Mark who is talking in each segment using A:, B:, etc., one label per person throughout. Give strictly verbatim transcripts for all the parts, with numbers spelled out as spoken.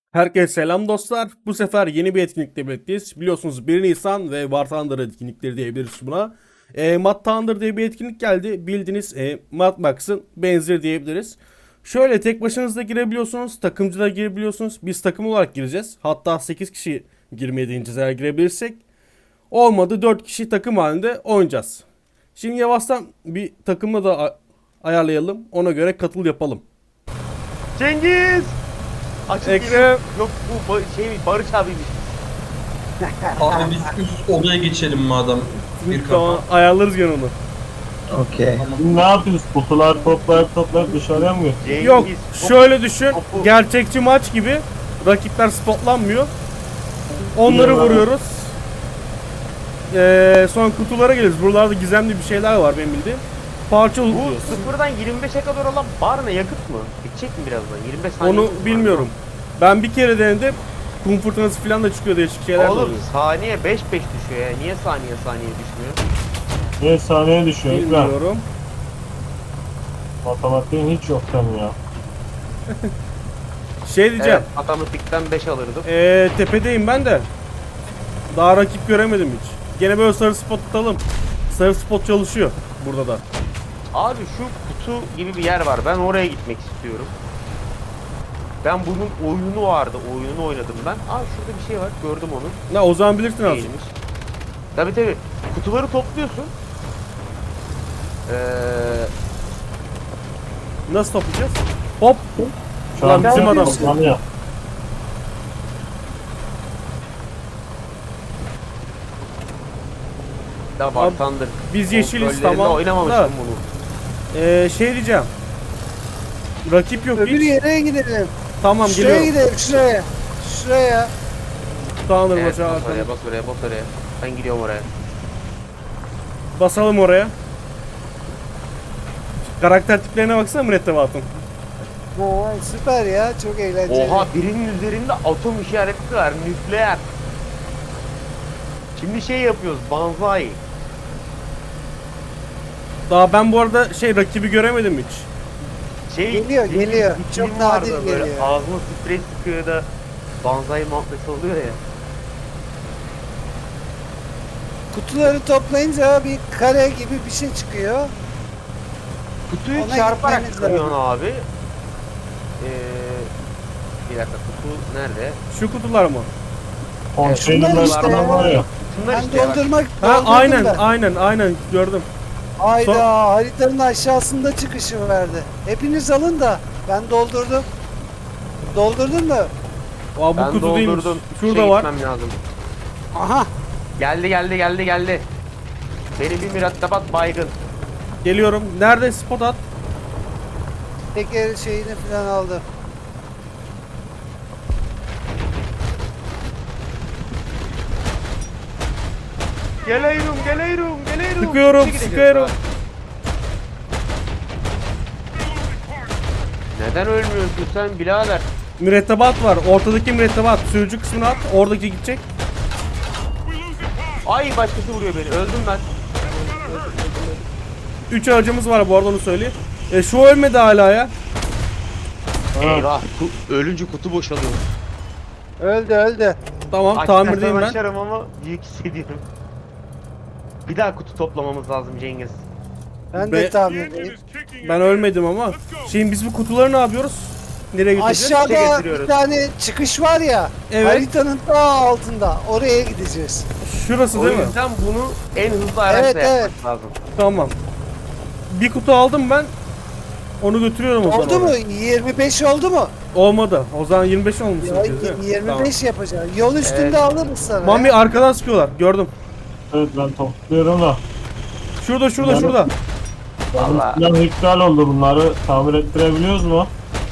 A: Herkese selam dostlar. Bu sefer yeni bir etkinlikle birlikteyiz. Biliyorsunuz bir Nisan ve War Thunder etkinlikleri diyebiliriz buna. E, Mad Thunder diye bir etkinlik geldi. Bildiğiniz e, Mad Max'ın benzeri diyebiliriz. Şöyle tek başınıza girebiliyorsunuz. Takımcı da girebiliyorsunuz. Biz takım olarak gireceğiz. Hatta sekiz kişi girmeye deneyeceğiz eğer girebilirsek. Olmadı dört kişi takım halinde oynayacağız. Şimdi yavaştan bir takımla da ayarlayalım. Ona göre katıl yapalım.
B: Cengiz! Açık
A: Ekrem.
B: geliyor. Yok bu ba- şey Barış abiymiş.
C: Abi biz üst odaya geçelim madem. Bir
A: Tamam,
C: kafa.
A: ayarlarız gene onu.
D: Okey.
E: Ne yapıyoruz? Kutular toplayıp toplayıp dışarıya mı götürüyoruz?
B: Cengiz.
A: Yok,
B: top-
A: şöyle düşün.
B: topu-
A: Gerçekçi maç gibi rakipler spotlanmıyor. Onları
E: Biliyorum.
A: vuruyoruz. Ee, sonra kutulara geliriz. Buralarda gizemli bir şeyler var benim bildiğim. Parça
B: Bu
A: lootluyoruz.
B: sıfırdan yirmi beşe kadar olan bar ne, yakıt mı? Bitecek mi birazdan? yirmi beş saniye
A: Onu
B: var.
A: bilmiyorum. Ben bir kere denedim. Kum fırtınası falan da çıkıyor, değişik şeyler de
B: Oğlum
A: oluyor.
B: saniye beş beş düşüyor ya. Niye saniye saniye düşmüyor?
E: Niye sahneye düşüyor? Ben
A: Bilmiyorum.
E: matematiğin hiç yok senin ya.
A: Şey diyeceğim.
B: Evet, matematikten beş alırdım.
A: Ee, tepedeyim ben de. Daha rakip göremedim hiç. Gene böyle sarı spot tutalım. Sarı spot çalışıyor burada da.
B: Abi şu kutu gibi bir yer var. Ben oraya gitmek istiyorum. Ben bunun oyunu vardı. Oyununu oynadım ben. Aa şurada bir şey var. Gördüm onu.
A: Ne o zaman bilirsin azıcık.
B: Neymiş? Tabii tabii. Kutuları topluyorsun. Ee,
A: Nasıl toplayacağız? Hop.
E: Şu
A: Lan bizim adam.
E: toplanıyor.
B: da
A: Abi,
B: Bartandır.
A: biz yeşiliz,
B: Kontrollerinde
A: tamam
B: oynamamıştım
A: da.
B: bunu.
A: Ee, şey diyeceğim. Rakip yok
D: Öbür
A: hiç.
D: yere gidelim.
A: Tamam
D: Şuraya
A: geliyorum.
D: gidelim şuraya. Şuraya.
A: Tanrı
B: Evet,
A: başı
B: bas
A: Hakan.
B: oraya, bas oraya, bas oraya. Ben gidiyorum oraya.
A: Basalım oraya. Karakter tiplerine baksana mürettebatın.
D: Ha, süper ya, çok eğlenceli.
B: Oha, birinin üzerinde atom işareti var, nükleer. Şimdi şey yapıyoruz, banzai.
A: Daha ben bu arada şey rakibi göremedim hiç.
B: Şey,
D: Geliyor,
B: bir-
D: geliyor.
B: bir
D: Çok
B: film
D: nadir
B: vardı böyle,
D: geliyor.
B: ağzına sprey sıkıyor da banzai muhabbeti oluyor ya.
D: Kutuları toplayınca bir kare gibi bir şey çıkıyor.
B: Kutuyu
D: Ona
B: çarparak
D: gitmeniz
B: kırıyorsun
D: lazım.
B: abi. Ee, bir dakika, kutu nerede?
A: Şu kutular mı?
E: Konteynerler
D: Şunlar işte
E: falan var ya.
B: Şunlar
D: Ben
B: işte ya bak.
D: doldurmak
A: Ha
D: doldurdum
A: aynen
D: ben.
A: aynen aynen gördüm.
D: Hayda,
A: Son-
D: haritanın aşağısında çıkışı verdi. Hepiniz alın da ben doldurdum. Doldurdun mu?
A: Aa, bu
B: Ben
A: kutu değilmiş.
B: doldurdum.
A: Şurada
B: Şey
A: var.
B: gitmem lazım.
D: Aha.
B: Geldi geldi geldi geldi. Beni bir mürettebat baygın.
A: Geliyorum. Nerede spot at?
D: Teker şeyini falan aldı.
B: Geliyorum geliyorum geliyorum.
A: Sıkıyorum,
B: Gideceğiz
A: sıkıyorum.
B: daha. Neden ölmüyorsun sen birader?
A: Mürettebat var. Ortadaki mürettebat. Sürücü kısmını at. Oradaki gidecek.
B: Ay başkası vuruyor beni. Öldüm ben.
A: Üç aracımız var bu arada, onu söyleyeyim. E, şu ölmedi hala ya.
B: Eyvah. Ku- ölünce kutu boşalıyor.
D: Öldü öldü.
A: Tamam,
B: Açarsam
A: tamirdeyim ben.
B: açarım ama büyük hissediyorum. Bir daha kutu toplamamız lazım Cengiz.
D: Ben
A: Be-
D: de tahmindeyim.
A: Ben ölmedim ama. Şimdi biz bu kutuları ne yapıyoruz? Nereye götüreceğiz?
D: Aşağıda
B: Şey
D: bir
B: getiriyoruz.
D: tane çıkış var ya.
A: Evet.
D: Haritanın daha altında. Oraya gideceğiz.
A: Şurası
B: O
A: değil mi?
B: yüzden bunu en hızlı araçla
D: Evet,
B: yapmak
D: evet.
B: lazım.
A: Tamam. Bir kutu aldım ben. Onu götürüyorum o zaman.
D: Oldu mu?
A: oraya.
D: yirmi beş oldu mu?
A: Olmadı. O zaman yirmi beş olmuşsun.
D: Ya,
A: siz, değil mi?
D: yirmi beş yapacağız. Yol üstünde
B: Evet.
D: alırız sana.
A: Tamam. Mami arkadan sıkıyorlar. Gördüm.
E: Evet ben topluyorum da.
A: Şurada şurada
E: Yani-
A: şurada.
B: Vallahi.
E: Plan iptal oldu, bunları tamir ettirebiliyoruz mu?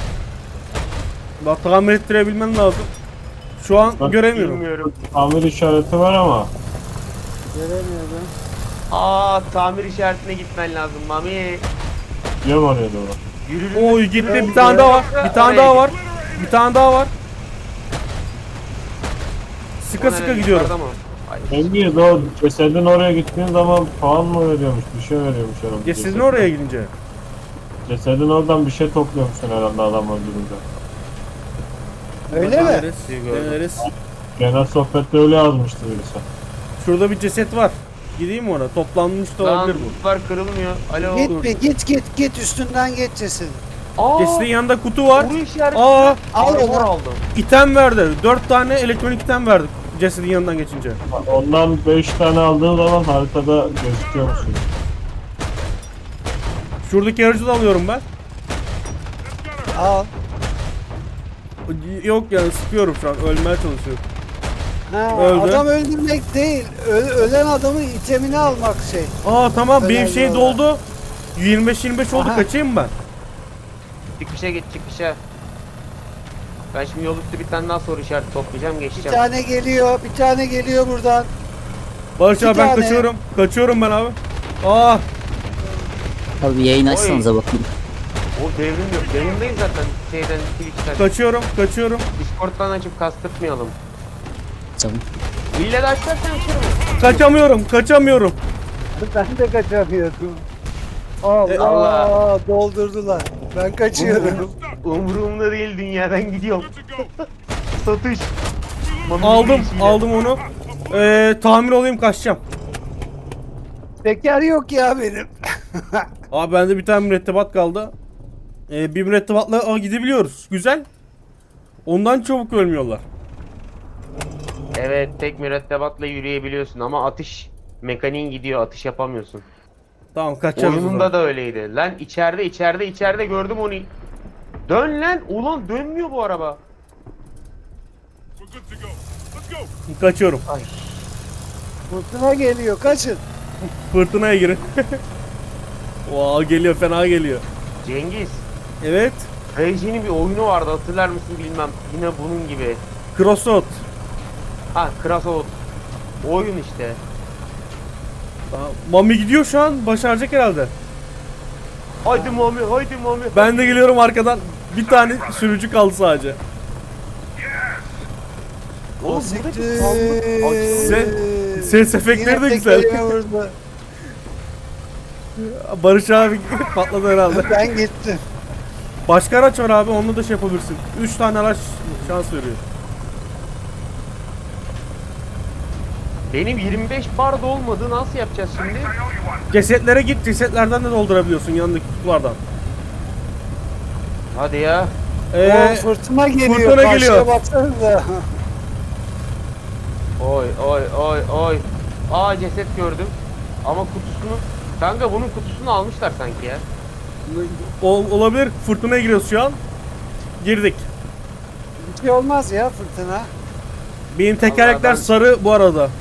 A: Bak, tamir ettirebilmen lazım. Şu an
E: Bak,
A: göremiyorum.
B: Bilmiyorum.
E: Tamir işareti var ama.
D: Göremiyorum.
B: Aa, tamir işaretine gitmen lazım Mami.
E: Yem oraya doğru.
B: Yürürüm.
A: Oy gitti. Bir tane daha var. Bir tane daha var. Bir tane daha var. Sıka sıka gidiyorum.
E: Cengiz, o cesedin oraya gittiğin zaman puan mı veriyormuş, bir şey veriyormuş herhalde.
A: Ya sizin
E: cesedin.
A: oraya gidince.
E: Cesedin oradan bir şey topluyormuşsun herhalde adam öldürünce.
D: Öyle mi?
A: Deneriz,
B: Gördüm.
A: deneriz.
E: Genel sohbette öyle yazmıştı birisi.
A: Şurada bir ceset var. Gideyim mi ona? Toplanmış da
B: Lan
A: olabilir bu.
B: lootlar kırılmıyor. Alo.
D: Git bir git git git üstünden geç cesedin.
B: Aa,
A: Cesedin yanında kutu var.
B: Kuru işareti.
A: Aa,
D: Al
B: Armor
D: onu.
B: aldım.
A: item verdi. Dört tane elektronik item verdik cesedin yanından geçince.
E: Ondan beş tane aldığın zaman haritada gözüküyor musun?
A: Şuradaki aracı da alıyorum ben.
D: Al.
A: Yok yani sıkıyorum şu an. Ölmeye çalışıyorum.
D: Ha,
A: Öldü.
D: adam öldürmek değil. Ö- ölen adamın itemini almak şey.
A: Aa tamam benim
D: Önemli
A: şey
D: olan.
A: doldu. yirmi beş yirmi beş oldu,
D: Aha.
A: kaçayım mı ben?
B: Çıkışa git çıkışa. Ben şimdi yol üstü bir tane daha soru işareti toplayacağım
D: Bir
B: geçeceğim.
D: tane geliyor, bir tane geliyor buradan.
A: Barış
D: Bir
A: abi ben
D: tane.
A: kaçıyorum. Kaçıyorum ben abi. Aa
F: Abi yayın açsanıza bakayım.
B: O devrim yok. Yayındayız zaten şeyden Twitch'ten.
A: kaçıyorum kaçıyorum.
B: Discord'dan açıp kastırtmayalım.
F: Tamam.
B: İlle de açarsan açarım.
A: Kaçamıyorum kaçamıyorum.
D: Ben de kaçamıyordum. Allah,
A: E,
B: Allah.
D: doldurdular. Ben kaçıyorum.
B: Umurumda değil, dünyadan gidiyorum. Satış. Mami
A: Aldım
B: yürüyüşüyle.
A: aldım onu. Ee, tamir olayım kaçacağım.
D: Teker yok ya benim.
A: Abi bende bir tane mürettebat kaldı. Ee, bir mürettebatla aa, gidebiliyoruz. Güzel. Ondan çabuk ölmüyorlar.
B: Evet, tek mürettebatla yürüyebiliyorsun ama atış mekaniğin gidiyor, atış yapamıyorsun.
A: Tamam kaçacağız. o
B: Oyununda
A: zaman.
B: da öyleydi. Lan içeride içeride içeride gördüm onu. Dön lan. Ulan dönmüyor bu araba.
A: Kaçıyorum.
D: Fırtına geliyor, kaçın.
A: Fırtınaya girin. Wow, geliyor fena geliyor.
B: Cengiz.
A: Evet.
B: Reji'nin bir oyunu vardı, hatırlar mısın bilmem. Yine bunun gibi.
A: Crossroad.
B: Ha, Krasout. Oyun işte.
A: Tamam. Mami gidiyor şu an. Başaracak herhalde.
B: Haydi Mami, haydi Mami.
A: Ben de geliyorum arkadan. Bir tane sürücü kaldı sadece.
B: Oğlum
D: Siktir.
B: burada bir sandık açıldı.
A: Sen- ses efektleri
D: Yine
A: de güzel.
D: tekerime vurdu.
A: Barış abi patladı herhalde.
D: Ben gittim.
A: Başka araç var abi, onunla da şey yapabilirsin. üç tane araç şans veriyor.
B: Benim yirmi beş bar da olmadı, nasıl yapacağız şimdi?
A: Cesetlere git, cesetlerden de doldurabiliyorsun yanındaki kutulardan.
B: Hadi ya.
A: Ee,
D: O fırtına geliyor.
A: fırtına
D: Karşıya
A: geliyor.
D: baksanıza.
B: Oy oy oy oy. Aa, ceset gördüm. Ama kutusunu... Kanka bunun kutusunu almışlar sanki ya.
A: ol- olabilir, fırtınaya giriyoruz şu an. Girdik.
D: Bir şey olmaz ya fırtına.
A: Benim tekerlekler
B: ben-
A: sarı bu arada.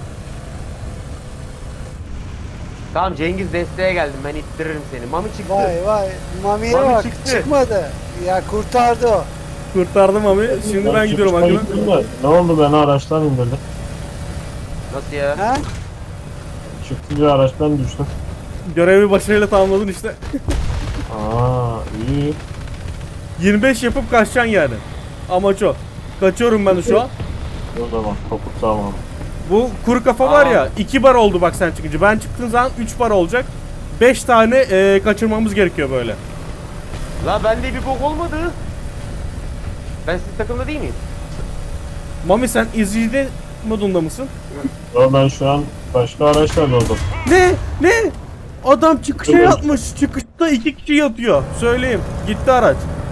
B: Tamam Cengiz, desteğe geldim, ben ittiririm seni. Mami çıktı.
D: Vay vay. Mami'ye
B: Mami
D: bak.
B: çıktı.
D: Çıkmadı. Ya kurtardı o.
A: Kurtardım abi. Şimdi ben gidiyorum
E: çıkışta
A: Akın'a.
E: gittim de, ne oldu, beni araçtan indirdi.
B: Nasıl ya?
D: Ha?
E: Çıktı araçtan düştüm.
A: Görevi başarıyla tamamladın işte.
E: Aa iyi.
A: yirmi beş yapıp kaçacaksın yani. Amaç o. Kaçıyorum ben de şu an.
E: O zaman topuk tamam.
A: Bu kuru kafa var
B: Aa.
A: ya, iki bar oldu bak sen çıkınca. Ben çıktığım zaman üç bar olacak. beş tane e, kaçırmamız gerekiyor böyle.
B: La bende bir bok olmadı. Ben sizin takımda değil miyim?
A: Mami sen izleyici modunda mısın?
E: Yo, ben şu an başka araçlarla oldum.
A: Ne? Ne? Adam çıkışa
E: Evet.
A: yatmış. Çıkışta iki kişi yatıyor. Söyleyeyim. Gitti araç.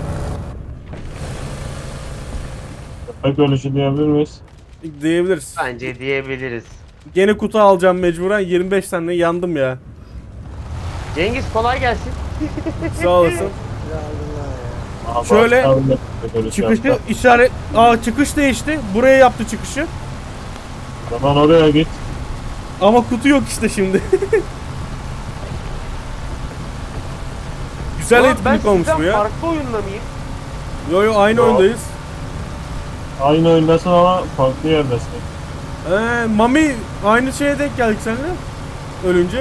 E: Köpek ölüşü diyebilir miyiz?
A: Diyebiliriz.
B: Bence diyebiliriz.
A: Gene kutu alacağım mecburen. yirmi beş tane yandım ya.
B: Cengiz kolay gelsin.
A: Sağ olasın.
D: Ya Allah ya.
E: Aa,
A: Şöyle,
E: başka bir köpek ölüşü
A: Çıkışı
E: yaptı.
A: işaret... Aa çıkış değişti. Buraya yaptı çıkışı.
E: O zaman oraya git.
A: Ama kutu yok işte şimdi. Güzel
B: Ulan
A: etkinlik
B: ben
A: olmuş
B: sizden
A: bu ya.
B: farklı oyunda mıyım?
A: Yo yo aynı
E: Yo.
A: oyundayız.
E: Aynı oyundasın ama farklı yerdesin.
A: Ee, Mami aynı şeye denk geldik seninle. Ölünce.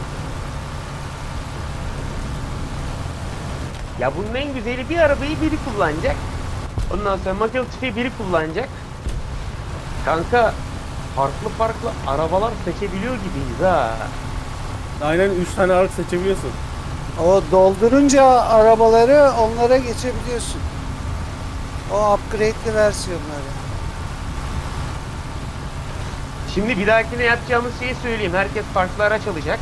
B: Ya bunun en güzeli, bir arabayı biri kullanacak. Ondan sonra makine tüfeği biri kullanacak. Kanka farklı farklı arabalar seçebiliyor gibiyiz ha.
A: Aynen üç tane araç seçebiliyorsun.
D: O doldurunca arabaları onlara geçebiliyorsun. O upgrade'li versiyonları.
B: Şimdi bir dahakine yapacağımız şeyi söyleyeyim. Herkes farklı araç alacak.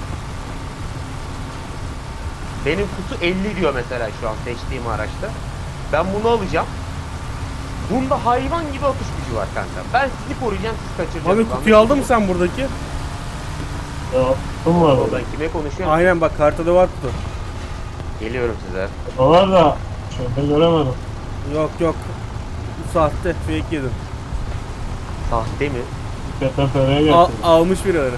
B: Benim kutu elli diyor mesela şu an seçtiğim araçta. Ben bunu alacağım. Bunda hayvan gibi atış gücü var kanka. Ben sizi koruyacağım, siz kaçıracaksınız.
A: Abi kutuyu aldın mı sen buradaki?
E: Ya kum var orada.
B: Ben kime konuşuyorum?
A: Aynen bak haritada var kutu.
B: Geliyorum size.
E: O var da şeyde göremedim.
A: Yok yok. Bu sahte fake yedim.
B: Sahte mi?
E: K T F R'ye
A: Al,
E: getirdim.
A: almış birileri.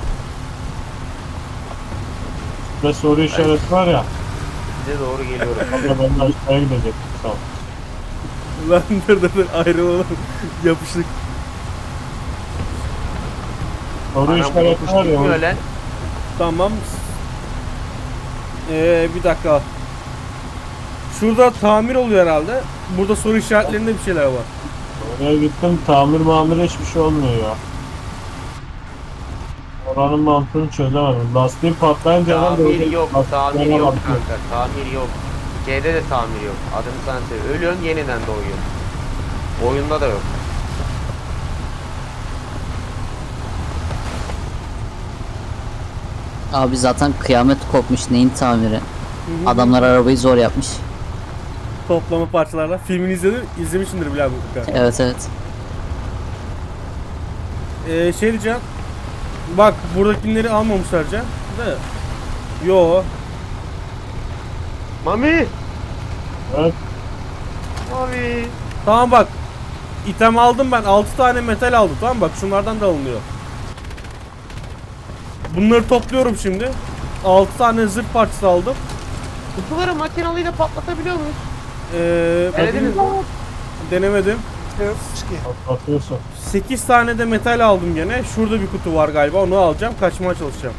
E: Ve soru işareti var ya.
B: Size doğru geliyorum.
E: Abla ben de aşağıya gidecektim. Sağ ol.
A: Lan dur dur dur ayrılalım. Yapıştık.
E: Soru
B: Anam bu
E: işareti
B: yokuş
E: var
B: gitmiyor
E: ya.
B: lan.
A: Tamam. Ee, bir dakika. Şurada tamir oluyor herhalde. Burada soru işaretlerinde bir şeyler var.
E: Oraya gittim tamir mamir hiçbir şey olmuyor ya. Oranın mantığını çözemedim. Lastiği patlayınca hemen
B: Tamir
E: böyle
B: yok,
E: lastiklerine
B: tamir yok
E: bakıyorum.
B: kanka, tamir yok. C'de de tamir yok. Adını sen söyle. Ölüyorsun, yeniden doğuyorsun. Oyunda da yok.
F: Abi zaten kıyamet kopmuş, neyin tamiri? Adamlar arabayı zor yapmış.
A: Toplama parçalarla. Filmini izledin, izlemişsindir bile abi.
F: Evet evet.
A: Ee, şey diyeceğim. Bak buradakileri almamışlar Can. De. Yo.
B: Mami!
E: Evet.
B: Mami!
A: Tamam bak. İtem aldım ben. altı tane metal aldım. Tamam bak şunlardan da alınıyor. Bunları topluyorum şimdi. altı tane zırh parçası aldım.
B: Kutuları makinalıyla patlatabiliyor muyuz?
A: Ee,
B: Denediniz mi?
A: denemedim.
D: Yokmuş ki.
E: Atlatıyorsun.
A: sekiz tane de metal aldım gene. Şurada bir kutu var galiba. Onu alacağım. Kaçmaya çalışacağım.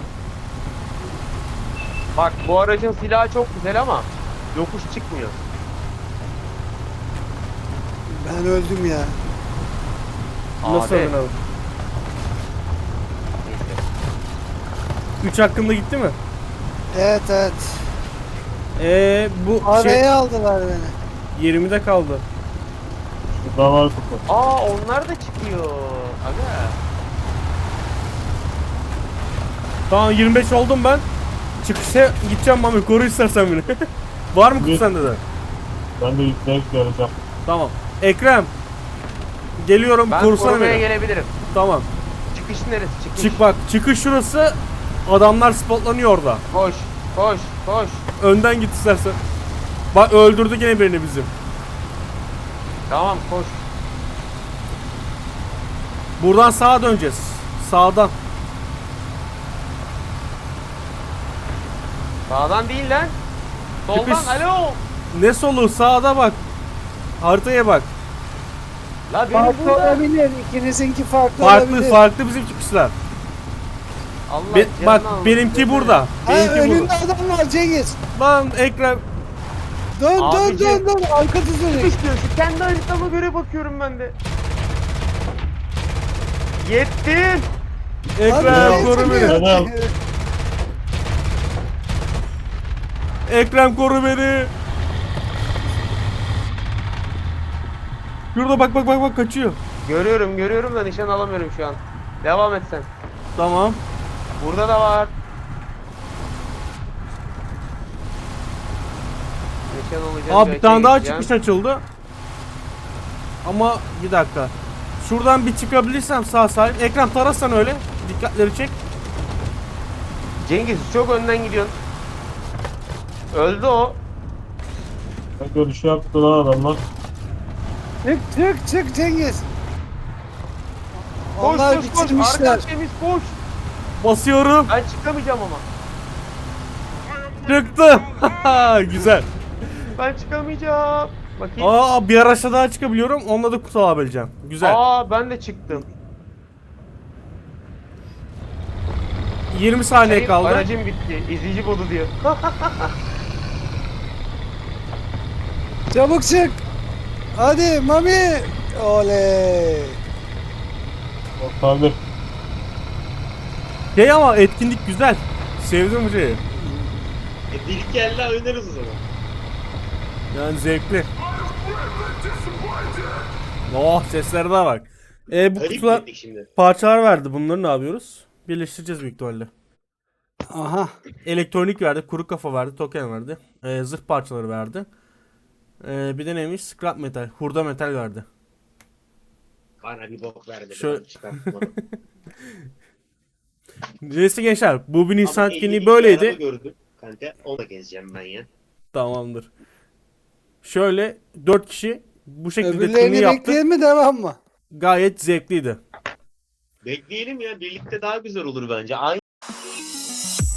B: Bak bu aracın silahı çok güzel ama yokuş çıkmıyor.
D: Ben öldüm ya.
A: Nasıl
B: Abi.
A: öldün abi?
B: Neyse.
A: üç hakkında gitti mi?
D: Evet evet.
A: Ee, bu
D: Araya
A: şey
D: aldılar beni.
A: yirmide kaldı.
E: Şurada var kutu.
B: Aa onlar da çıkıyor. Aga.
A: Tamam yirmi beş oldum ben. Çıkışa gideceğim Mami. Koru istersen beni. Var mı kutu
E: Git.
A: sende de?
E: Ben de yükleyip geleceğim.
A: Tamam. Ekrem. Geliyorum.
B: Ben
A: Korusana
B: korumaya
A: beni.
B: gelebilirim.
A: Tamam.
B: Çıkış neresi? Çıkış.
A: Çık bak. Çıkış şurası. Adamlar spotlanıyor orada.
B: Koş. Koş. Koş.
A: Önden git istersen. Bak öldürdü gene birini bizim.
B: Tamam koş.
A: Buradan sağa döneceğiz. Sağdan.
B: Sağdan değil lan. Soldan.
A: Çıkış.
B: Alo.
A: Ne solu? Sağda bak. Haritaya bak.
B: La benim
D: Farklı
B: burada.
D: olabilir. İkinizinki farklı,
A: Farklı
D: olabilir.
A: farklı bizim çıkışlar.
B: Allah
A: Be-
B: canını
A: bak
B: alsın.
A: benimki burada.
D: Ha,
A: Benimki
D: önünde
A: burada.
D: adam var Cengiz.
A: Lan Ekrem.
D: Dön dön
B: Abici.
D: dön dön. Arka düzeni.
B: İstiyorsun. Kendi haritama göre bakıyorum ben de. Yettim.
A: Ekrem koru beni.
E: Adam.
A: Ekrem koru beni. Şurada bak bak bak bak kaçıyor.
B: Görüyorum görüyorum da nişan alamıyorum şu an. Devam et sen.
A: Tamam.
B: Burada da var. Nişan alacağım.
A: Abi bir
B: gerçeğe
A: tane daha
B: gideceğim.
A: çıkış açıldı. Ama bir dakika. Şuradan bir çıkabilirsem sağ salim. Ekrem tararsan öyle. Dikkatleri çek.
B: Cengiz çok önden gidiyorsun. Öldü o.
E: Görüş yaptı lan adamlar.
D: Çık çık çık Cengiz.
B: Koş
D: Onlar
B: koş koş.
D: bitirmişler.
B: Arkan temiz koş.
A: Basıyorum.
B: Ben çıkamayacağım ama.
A: Çıktım. Güzel.
B: Ben çıkamayacağım. Bakayım.
A: Aa bir araçla daha çıkabiliyorum. Onunla da kutu alabileceğim. Güzel.
B: Aa ben de çıktım.
A: yirmi saniye
B: Şey,
A: kaldı.
B: Aracım bitti. İzleyici bodu diyor.
D: Çabuk çık. Hadi Mami. Oley.
E: Kurtardık.
A: Şey ama etkinlik güzel. Sevdim bu şeyi.
B: e, bir iki elle oynarız o zaman.
A: Yani zevkli. Oh seslerine bak. E, bu
B: Garip
A: kutular
B: gittik şimdi.
A: parçalar verdi. Bunları ne yapıyoruz? Birleştireceğiz büyük ihtimalle.
D: Aha.
A: Elektronik verdi, kuru kafa verdi, token verdi. E, zırh parçaları verdi. E, bir de neymiş? Scrap metal, hurda metal verdi.
B: Bana bir bok verdi.
A: Şöyle-
B: ben çıkartmadım.
A: Neyse gençler, bu bir Nisan
B: Ama
A: etkinliği
B: elli bin araba
A: böyleydi.
B: gördüm. Kanka onu da gezeceğim ben ya.
A: Tamamdır. Şöyle dört kişi bu şekilde etkinliği
D: Öbürlerini
A: yaptık.
D: bekleyelim mi devam mı?
A: Gayet zevkliydi.
B: Bekleyelim ya. Birlikte daha güzel olur bence. Aynı